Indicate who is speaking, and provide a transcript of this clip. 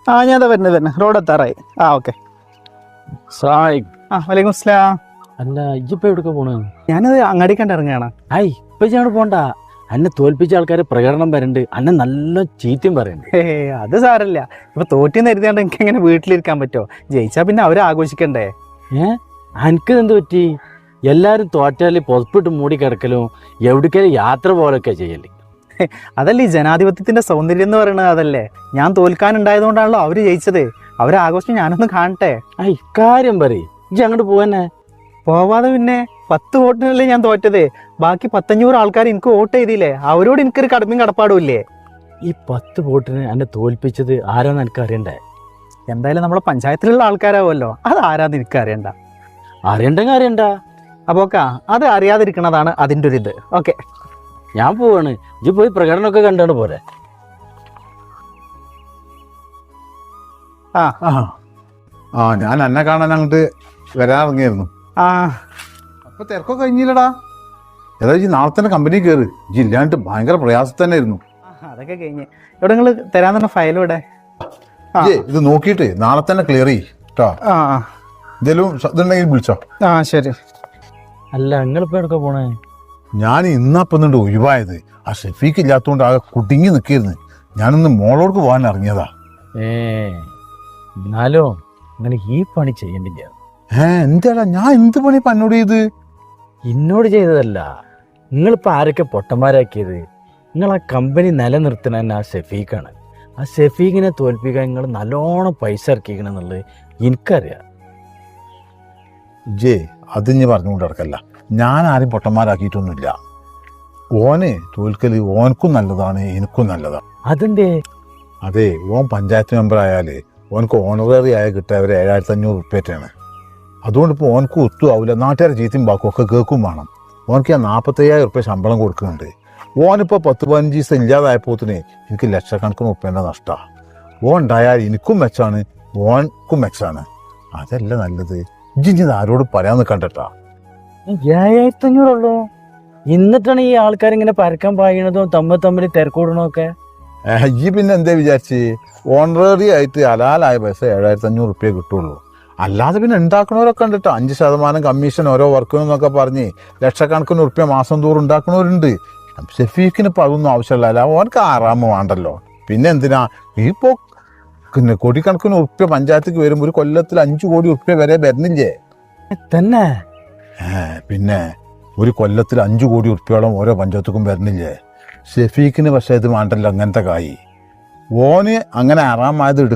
Speaker 1: ഞാൻ വരുന്നത് റോഡ് എത്താറായി. ഓക്കെ. വലൈക്കും സ്ലാം.
Speaker 2: അല്ല ഇജ്ജിപ്പോ എവിടേക്ക് പോണ്?
Speaker 1: ഞാനത് അങ്ങാടിക്കണ്ട് ഇറങ്ങുകയാണ്.
Speaker 2: ഇപ്പൊ ഞാൻ പോണ്ട. അന്നെ തോൽപ്പിച്ച ആൾക്കാര് പ്രകടനം വരണ്ട്, അന്നെ നല്ല ചീത്തയും പറയണ്ട്.
Speaker 1: അത് സാരല്ല. ഇപ്പൊ തോറ്റിന്ന് എഴുതിയാണ്ട് എനിക്ക് എങ്ങനെ വീട്ടിലിരിക്കാൻ പറ്റുമോ? ജയിച്ചാ പിന്നെ അവരെ ആഘോഷിക്കണ്ടേ?
Speaker 2: എനിക്ക് എന്ത് പറ്റി? എല്ലാരും തോറ്റാല് പുതപ്പിട്ട് മൂടി കിടക്കലും എവിടേക്കാലും യാത്ര പോലൊക്കെ ചെയ്യല്.
Speaker 1: അതല്ലേ ഈ ജനാധിപത്യത്തിന്റെ സൗന്ദര്യം എന്ന് പറയുന്നത്. അതല്ലേ ഞാൻ തോൽക്കാനുണ്ടായതുകൊണ്ടാണല്ലോ അവര് ജയിച്ചത്. അവരെ ആഘോഷം ഞാനൊന്ന് കാണട്ടെ.
Speaker 2: ഇക്കാര്യം പറയും ഇജ്ജ് അങ്ങോട്ട് പോവന്നെ.
Speaker 1: പോവാതെ പിന്നെ 10 വോട്ടിനല്ലേ ഞാൻ തോറ്റത്. ബാക്കി 1,500 ആൾക്കാർ എനിക്ക് വോട്ട് ചെയ്തില്ലേ? അവരോട് എനിക്കൊരു കടമയും കടപ്പാടും ഇല്ലേ?
Speaker 2: ഈ 10 വോട്ടിന് എന്നെ തോൽപ്പിച്ചത് ആരാന്ന് എനിക്ക് അറിയണ്ടേ?
Speaker 1: എന്തായാലും നമ്മളെ പഞ്ചായത്തിലുള്ള ആൾക്കാരാവുമല്ലോ. അത് ആരാന്ന് എനിക്ക് അറിയണ്ട.
Speaker 2: അറിയണ്ടെങ്കിൽ അറിയണ്ട.
Speaker 1: അപ്പൊ അത് അറിയാതിരിക്കണതാണ് അതിൻ്റെ ഒരു ഇത്. ഓക്കെ,
Speaker 2: ഞാൻ പോവാണ്. ഇജ്ജ് പോയി പ്രകടനമൊക്കെ കണ്ടാണ് പോരെ.
Speaker 3: ഞാൻ എന്നെ കാണാൻ അങ്ങോട്ട് വരാനിറങ്ങിയായിരുന്നു. അപ്പൊ തിരക്കൊക്കെ കഴിഞ്ഞില്ലടാ. ഏതായാലും നാളെ തന്നെ കമ്പനി കയറി. ഇല്ലാണ്ട് ഭയങ്കര പ്രയാസം തന്നെ ആയിരുന്നു.
Speaker 1: അതൊക്കെ കഴിഞ്ഞ് ഇവിടെ നിങ്ങൾ തരാൻ തന്നെ ഫയലും ഇവിടെ.
Speaker 3: ഇത് നോക്കിയിട്ട് നാളെ തന്നെ ക്ലിയർ ചെയ്ട്ടോ. എന്തേലും ഇതുണ്ടെങ്കിൽ വിളിച്ചോ.
Speaker 1: ശരി.
Speaker 2: അല്ല നിങ്ങളിപ്പോ എവിടെയൊക്കെ പോണേ?
Speaker 3: ഞാൻ ഇന്നപ്പന്നുണ്ട് ഒഴിവായത്. ആ ഷെഫീക്ക് ഇല്ലാത്തതുകൊണ്ട് ആകെ കുടുങ്ങി നിൽക്കിയിരുന്നു. ഞാനൊന്ന് മോളോർക്ക് പോകാൻ ഇറങ്ങിയതാ.
Speaker 2: എന്നാലോ അങ്ങനെ ഈ പണി ചെയ്യണ്ടില്ല.
Speaker 3: എന്താടാ ഞാൻ എന്ത് പണി എന്നോട് ചെയ്ത്?
Speaker 2: എന്നോട് ചെയ്തതല്ല, നിങ്ങളിപ്പോൾ ആരൊക്കെ പൊട്ടന്മാരാക്കിയത്. നിങ്ങൾ ആ കമ്പനി നിലനിർത്തണ തന്നെ ആ ഷെഫീഖാണ്. ആ ഷെഫീഖിനെ തോൽപ്പിക്കാൻ നിങ്ങൾ നല്ലോണം പൈസ ഇറക്കിക്കണമെന്നുള്ളത് എനിക്കറിയാം.
Speaker 3: അത് ഇനി പറഞ്ഞുകൊണ്ട് നടക്കല്ല. ഞാൻ ആരും പൊട്ടന്മാരാക്കിയിട്ടൊന്നുമില്ല. ഓന് തോൽക്കല് ഓനക്കും നല്ലതാണ്, എനിക്കും നല്ലതാണ്.
Speaker 2: അതെന്തേ?
Speaker 3: അതെ, ഓൻ പഞ്ചായത്ത് മെമ്പർ ആയാൽ ഓനക്ക് ഓണററി ആയ കിട്ടുക ഒരു 7,500 ഉറുപ്പ്യറ്റാണ്. അതുകൊണ്ട് ഇപ്പോൾ ഓനക്ക് ഒത്തും ആവില്ല. നാട്ടുകാരെ ചീത്തയും ബാക്കും ഒക്കെ കേൾക്കും വേണം. ഓനക്ക് ഞാൻ 45,000 ഉറുപ്പ്യ ശമ്പളം കൊടുക്കുന്നുണ്ട്. ഓനിപ്പോൾ 10-15 ദിവസം ഇല്ലാതായപ്പോത്തിന് എനിക്ക് ലക്ഷക്കണക്കിന് ഉറുപ്പ്യൻ്റെ നഷ്ടമാണ്. ഓൻ ഉണ്ടായാൽ എനിക്കും മെച്ചാണ്, ഓനക്കും മെച്ചാണ്. അതല്ല നല്ലത്. ഇജ്ജിത് ആരോട് പറയാൻ നിൽക്കണ്ടട്ടാ.
Speaker 2: 7,500 ഉള്ളൂ. എന്നിട്ടാണ് ഈ ആൾക്കാരിങ്ങനെ പരക്കാൻ പായണതും തമ്മിൽ തിരക്കൂടണമൊക്കെ.
Speaker 3: ഈ പിന്നെ എന്താ വിചാരിച്ച്? ഓണററി ആയിട്ട് ഹലാലായ പൈസ 7,500 ഉറുപ്പ്യ കിട്ടുള്ളൂ. അല്ലാതെ പിന്നെ ഉണ്ടാക്കണവരൊക്കെ ഉണ്ട് കേട്ടോ. 5% കമ്മീഷൻ ഓരോ വർക്കിനെന്നൊക്കെ പറഞ്ഞ് ലക്ഷക്കണക്കിന് ഉറുപ്പ്യ മാസം തോറും ഉണ്ടാക്കണവരുണ്ട്. ഷെഫീഖിന് ഇപ്പോൾ അതൊന്നും ആവശ്യമില്ല. ഓനക്ക് ആറാമ വേണ്ടല്ലോ. പിന്നെ എന്തിനാ ഇപ്പോൾ പിന്നെ കോടിക്കണക്കിന് ഉറുപ്പ്യ പഞ്ചായത്തേക്ക് വരുമ്പോൾ ഒരു കൊല്ലത്തിൽ 5 കോടി ഉറുപ്പ്യ വരെ വരുന്നില്ലേ
Speaker 2: തന്നെ?
Speaker 3: പിന്നെ ഒരു കൊല്ലത്തിൽ 5 കോടി ഉറുപ്പ്യോളം ഓരോ പഞ്ചായത്തുക്കും വരുന്നില്ലേ? ഷെഫീഖിന് പക്ഷേ ഇത് വേണ്ടല്ലോ അങ്ങനത്തെ കായി. ഓന് അങ്ങനെ ആറാമായത്